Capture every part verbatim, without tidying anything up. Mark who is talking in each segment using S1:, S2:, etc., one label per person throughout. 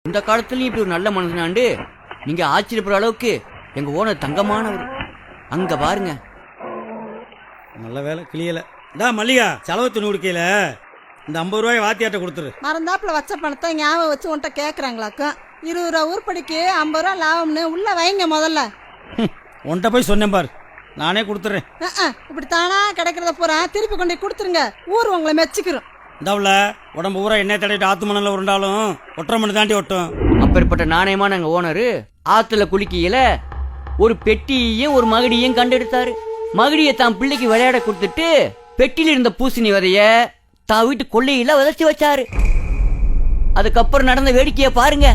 S1: இந்த காலத்துலயும் இப்படி ஒரு நல்ல மனுஷனாண்டு நீங்க ஆச்சரியப்படுற அளவுக்கு எங்க ஓனர் தங்கமானவர். அங்க பாருங்க.
S2: நல்ல வேலை கிளியல. டா மல்லிகா, செலவு துணி கொடுக்கல, இந்த ஐம்பது ரூபாய் வாத்தியாட்ட கொடுத்துரு.
S3: மறந்தாப்புல வச்ச பணத்தை ஞாபகம் வச்சு உன்ட்ட கேட்குறாங்களாக்கும். இருபது ரூபா ஊர்படிக்கு ஐம்பது ரூபா லாபம்னு உள்ள வைங்க முதல்ல.
S2: உன்கிட்ட போய் சொன்னேன் பாரு, நானே கொடுத்துறேன்.
S3: இப்படி தானா கிடைக்கிறத பூரா திருப்பி கொண்டு கொடுத்துருங்க, ஊர் உங்களை மெச்சிக்கிறோம்.
S2: இந்தாவுல உடம்பு பூரா எண்ணெய் தடவிட்டு ஆத்து மணல உருண்டாலும் ஒற்றை மணி தாண்டி ஒட்டும்.
S1: அப்பேற்பட்ட நாணயமான எங்க ஓனரு ஆத்துல குளிக்கையில ஒரு பெட்டியையும் ஒரு மகடியையும் கண்டெடுத்தாரு. மகடியை தான் பிள்ளைக்கு விளையாட கொடுத்துட்டு பெட்டியில இருந்த பூசணி விதைய தான் வீட்டு கொள்ளையில விதைச்சு வச்சாரு. அதுக்கப்புறம் நடந்த வேடிக்கைய பாருங்க.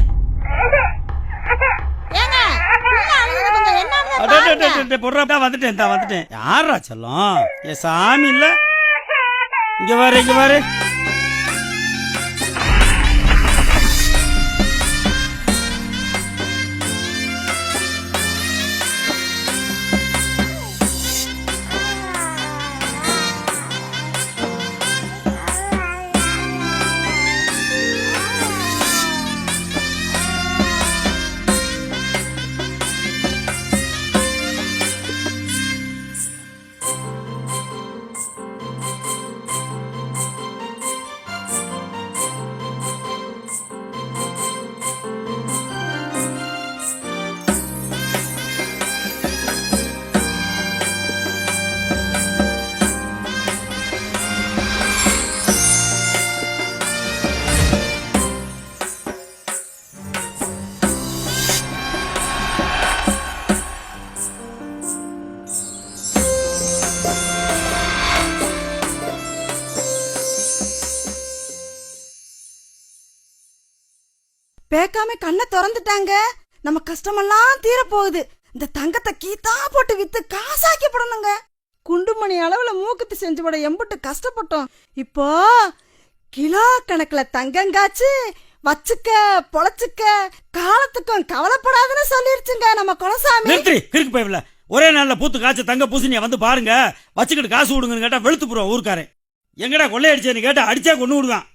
S2: வந்துட்டேன் வந்துட்டேன். யாரா செல்லம்? ஏ சாமி இல்ல, இங்க பாரு இங்க பாரு.
S3: பேக்காம கண்ணை திறந்துட்டாங்க. நம்ம கஷ்டமெல்லாம் தீர போகுது. இந்த தங்கத்தை கீத்தா போட்டு வித்து காசாக்கப்படணுங்க. குண்டுமணி அளவுல மூக்குத்தி செஞ்சு போட எம்புட்டு கஷ்டப்பட்டோம். இப்போ கிலோ கணக்குல தங்கங்காச்சு வச்சுக்க பொழைச்சுக்க, காலத்துக்கும் கவலைப்படாதுன்னு சொல்லிருச்சுங்க நம்ம குலசாமி.
S2: ஒரே நாள்ல பூத்து காய்ச்ச தங்க பூசணிய வந்து பாருங்க, வச்சுக்கிட்டு காசு விடுங்கன்னு கேட்டா வெளுத்து போறோம் ஊருக்காரன். எங்கடா கொள்ளையடிச்சேன்னு கேட்டா அடிச்சா கொண்டு விடுவான்.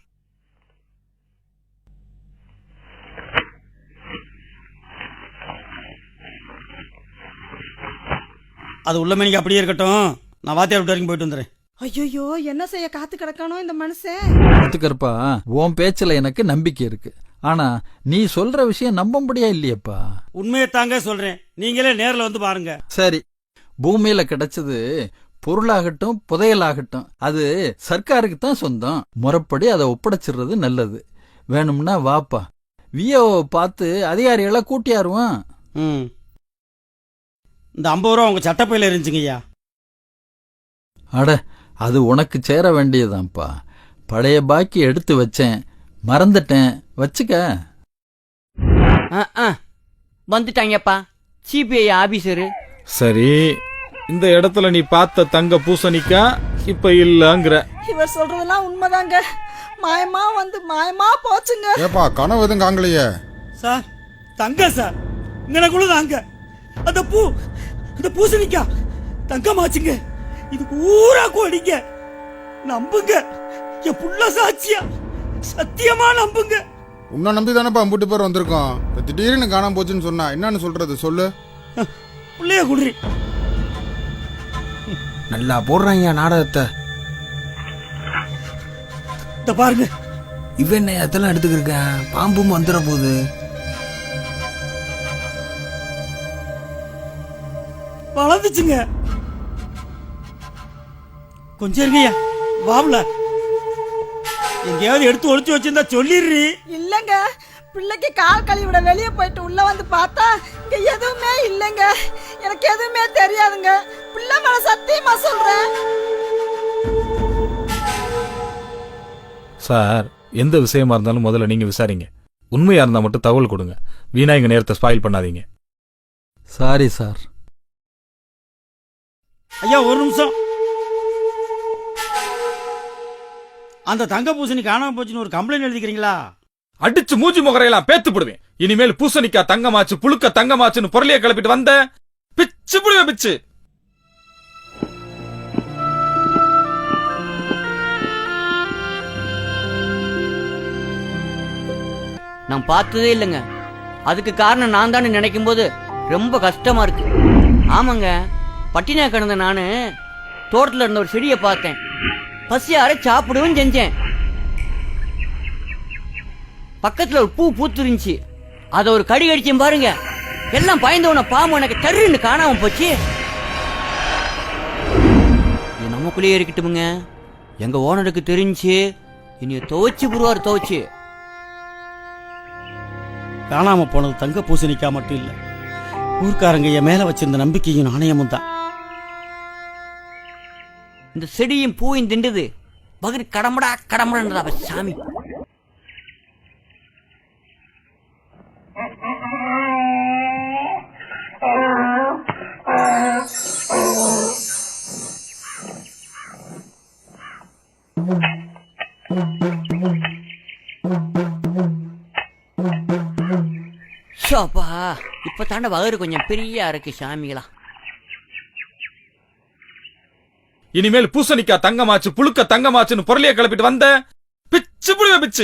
S2: அது உள்ள மணிக்கு அப்படியே இருக்கட்டும், நான் வாத்தியார் விட்டு வரைக்கும் போயிட்டு வந்துடுறேன்.
S3: ஐயோ, என்ன செய்ய காத்து கிடக்கானோ இந்த மனுஷன்.
S4: கத்துக்கறப்பா, உன் பேச்சுல எனக்கு நம்பிக்கை இருக்கு. ஆனா நீ சொல்ற விஷயம் நம்ப முடியா இல்லையப்பா.
S2: உண்மையை தாங்க சொல்றேன், நீங்களே நேர்ல வந்து பாருங்க.
S4: சரி, பூமியில கிடைச்சது பொருளாகட்டும் புதையலாகட்டும் அது சர்க்காருக்கு தான் சொந்தம். முறைப்படி அதை ஒப்படைச்சிடுறது நல்லது. வேணும்னா வாப்பா, வியோவை பார்த்து அதிகாரிகளை கூட்டியாருவான்.
S2: ம், இந்த ஐம்பது ரூபா உங்க சட்டப்பையில இருந்துச்சுங்கய்யா.
S4: அட, அது உனக்கு சேர வேண்டியதான்ப்பா. பழைய பாக்கி எடுத்து வச்சேன், மறந்துட்டேன், வச்சுக்க.
S1: வந்துட்டாங்கப்பா சிபிஐ ஆபீசரு.
S5: சரி, இந்த இடத்துல நீ பார்த்த தங்க பூசணிக்கா இப்ப இல்லங்கிற.
S3: இவர் சொல்றதெல்லாம் உண்மைதாங்க. மாயமா வந்து மாயமா போச்சுங்க.
S6: ஏப்பா, கனவு எதுவும் காங்கலையே
S2: சார்? தங்க சார், இங்கனக்குள்ள தாங்க. அந்த பூ, அந்த பூசணிக்கா தங்கமாச்சுங்க. இதுக்கு ஊரா கோடிங்க. நம்புங்க, என் புள்ள சாட்சியா, சத்தியமா நம்புங்க.
S6: உன்னை நம்பி தானப்பா அம்புட்டு பேர் வந்திருக்கோம். திடீர்னு காணாம போச்சுன்னு சொன்னா என்னன்னு சொல்றது சொல்லு.
S2: புள்ளைய குடுறி.
S7: நல்லா போடுறாங்க நாடகத்தை.
S2: இந்த பாருங்க,
S7: இவன் என்ன அதெல்லாம் எடுத்துக்கிருக்கேன், பாம்பும் வந்துட போகுது.
S2: வளர்ந்துச்சுங்க. கொஞ்சம் இருங்கய்யா, வாவுல எங்கேயாவது எடுத்து ஒளிச்சு வச்சிருந்தா சொல்லிடுறீ.
S3: இல்லங்க, பிள்ளைக்கு கால் கழுவிட வெளியே போயிட்டு உள்ள வந்து பார்த்தா இங்க எதுவுமே இல்லைங்க. எனக்கு எதுவுமே தெரியாதுங்க. பிள்ளை மேல சத்தியமா சொல்றேன்.
S5: சார், எந்த விஷயமா இருந்தாலும் முதல்ல நீங்க விசாரிங்க. உண்மையா இருந்தா மட்டும் தகவல் கொடுங்க. வீணா எங்க நேரத்தை ஸ்பாயில் பண்ணாதீங்க.
S4: Sorry sir.
S2: ஐயா, ஒரு நிமிஷம். அந்த தங்க பூசணி காணாம போச்சுன்னு ஒரு கம்ப்ளைண்ட் எழுதிக்கிறீங்களா?
S5: அடிச்சு மூஞ்சி முகரையெல்லாம் பேத்து போடுவேன். இனிமேல் பூசணிக்கா தங்கமாச்சு புழுக்க தங்கமாச்சுன்னு பொருளைய கிளப்பிட்டு வந்த பிச்சு புடுவேன் பிச்சு.
S1: நான் பார்த்ததே இல்லைங்க. அதுக்கு காரணம் நான் தானே நினைக்கும் போது ரொம்ப கஷ்டமா இருக்கு. ஆமாங்க, பட்டினா கிடந்த நானு தோட்டத்துல இருந்த ஒரு செடியை பார்த்தேன். பசியார சாப்பிடவும் செஞ்சேன். பக்கத்துல ஒரு பூ பூத்துருந்துச்சு. அதை ஒரு கடி கடிச்சேன் பாருங்க. எல்லாம் பயந்தவன பாம்பு எனக்கு தருன்னு காணாம போச்சு. இது நமக்குள்ளேயே இருக்கட்டுமுங்க. எங்க ஓனருக்கு தெரிஞ்சு இனிய துவைச்சு புருவாரு துவைச்சு.
S2: காணாம போனது தங்க பூசணிக்கா மட்டும் இல்ல, ஊர்க்காரங்க என் மேல வச்சிருந்த நம்பிக்கையும் நாணயமும் தான்.
S1: இந்த செடியும் பூவும் திண்டுது பகரு கடம்படா கடம்படா சாமி. ஷோப்பா, இப்ப தாண்ட வகரு கொஞ்சம் பெரியா இருக்கு சாமிகளா.
S5: இனிமேல் பூசணிக்கா தங்கமாச்சு புழுக்க தங்கமாச்சுன்னு பொருளைய கிளப்பிட்டு வந்த பிச்சு புடுவே பிச்சு.